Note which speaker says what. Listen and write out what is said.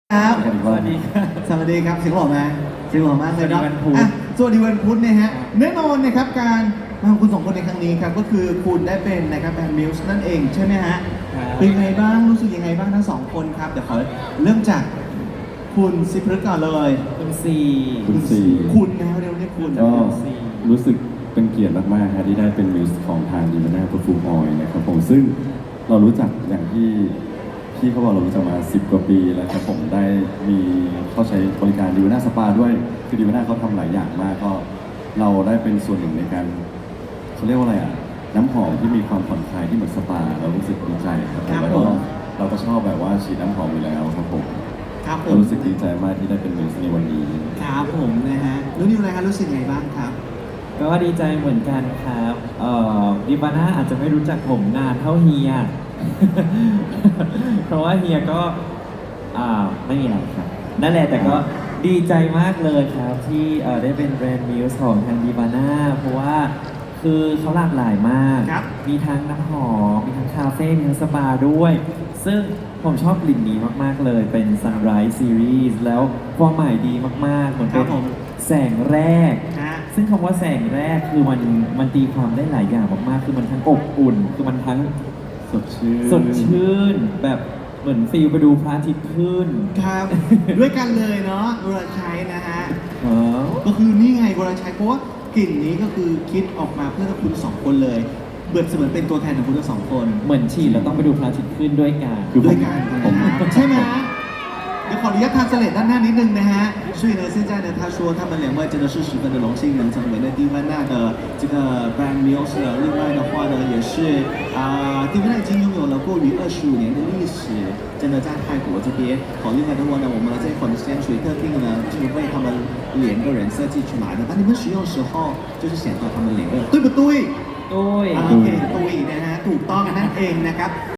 Speaker 1: ครับ
Speaker 2: สวัสดีครับ
Speaker 1: สวัสดีครับเสียงหล่อไหมเสียงหล่อมากเลยครับ
Speaker 2: สวัสดีวันพุธ
Speaker 1: อ่ะสวัสดีวันพุธนะฮะแน่นอนนะครับการมาของคุณสองคนในครั้งนี้ครับก็คือคุณได้เป็นนะครับแบรนด์มิลส์นั่นเองใช่ไหมฮะ
Speaker 2: ครับ
Speaker 1: เป็นไงบ้างรู้สึกยังไงบ้างทั้งสองคนครับเดี๋ยวขอเริ่มจากคุณซิพฤกษ์ก่อนเลย
Speaker 2: คุณซี
Speaker 3: คุณซี
Speaker 1: คุณนะเรียกว่าคุณ
Speaker 3: ก็รู้สึกเป็นเกียรติมากๆครับที่ได้เป็นมิวส์ของทางดีมาน่าเปอร์ฟูมออยล์นะครับผมซึ่งเรารู้จักอย่างที่พี่เขาบอกเรารู้จักมา10 กว่าปีแล้วครับผมได้มีเข้าใช้บริการดีมาน่าสปาด้วยคือดีมาน่าเขาทำหลายอย่างมากก็เราได้เป็นส่วนหนึ่งในการเขาเรียกว่าอะไรอ่ะน้ำหอมที่มีความผ่อนคลายที่เหมือนสปาเรารู้สึกดีใจครับผมแล้วก็เราก็ชอบแบบว่าฉีดน้ำหอมอยู่แล้วครับผม
Speaker 1: ครับผ
Speaker 3: ก็
Speaker 1: ม
Speaker 3: รู้สึกดีใจมากที่ได้เป็นมิวส์ในวันนี้
Speaker 1: ครับผมนะฮะรู้นิวอะไรครับรู้สึกยังไงบ้างครับ
Speaker 2: ก็ดีใจเหมือนกันครับดิบาน่าอาจจะไม่รู้จักผมนานเท่าเฮีย เพราะว่าเฮียก็ไม่มีอะไรครับนั่นแหละแต่ก็ดีใจมากเลยครับที่ได้เป็นแบรนด์มิวส์ของทางดิบาน่าเพราะว่าคือเขาหลากหลายมาก
Speaker 1: ครับ
Speaker 2: มีทั้งน้ำหอมมีทั้งคาเฟ่มีทั้งสปาด้วย ซึ่งผมชอบกลิ่นนี้มากๆเลยเป็น Sunrise Series แล้วความหมายดีมากๆเหมือนเป็น
Speaker 1: ครับผม
Speaker 2: แสงแรก
Speaker 1: ฮะ
Speaker 2: ซึ่งคำว่าแสงแรกคือมันตีความได้หลายอย่างมากๆ คือมันทั้งอบอุ่น คือมันทั้ง
Speaker 3: สดชื่น
Speaker 2: สดชื่น แบบเหมือนฟีลไปดูพระอาทิตย์ขึ้น
Speaker 1: ครับ ด้วยกันเลยเนาะวรชัยนะฮะ
Speaker 2: เออ
Speaker 1: ก็คือนี่ไงวรชัยเพราะว่ากลิ่นนี้ก็คือคิดออกมาเพื่อคุณสองคนเลยเบิดเสมือนเป็นตัวแทนของคุณทั้งสองคน
Speaker 2: เหมือนฉีดแล้วต้องไปดูพระอาทิตย์ขึ้นด้วยกัน
Speaker 3: คือผม
Speaker 1: ด้วยกันใช่ไหมเดี๋ยวขออนุญาตทานเสลดด้านหน้านิดนึงนะฮะ所以呢现在呢他说他们两位真的是十分的荣幸能成为呢蒂凡娜的这个 brand meals 另外的话呢也是蒂凡娜已经拥有了过于25年的历史真的在泰国这边好另外的话呢我们这款香水特定呢就是为他们两个人设计出来的当你们使用的时候就是显得他们两个对不对
Speaker 2: ด้วย
Speaker 1: โอเคตุยนะฮะถูกต้องนั่นเองนะครับ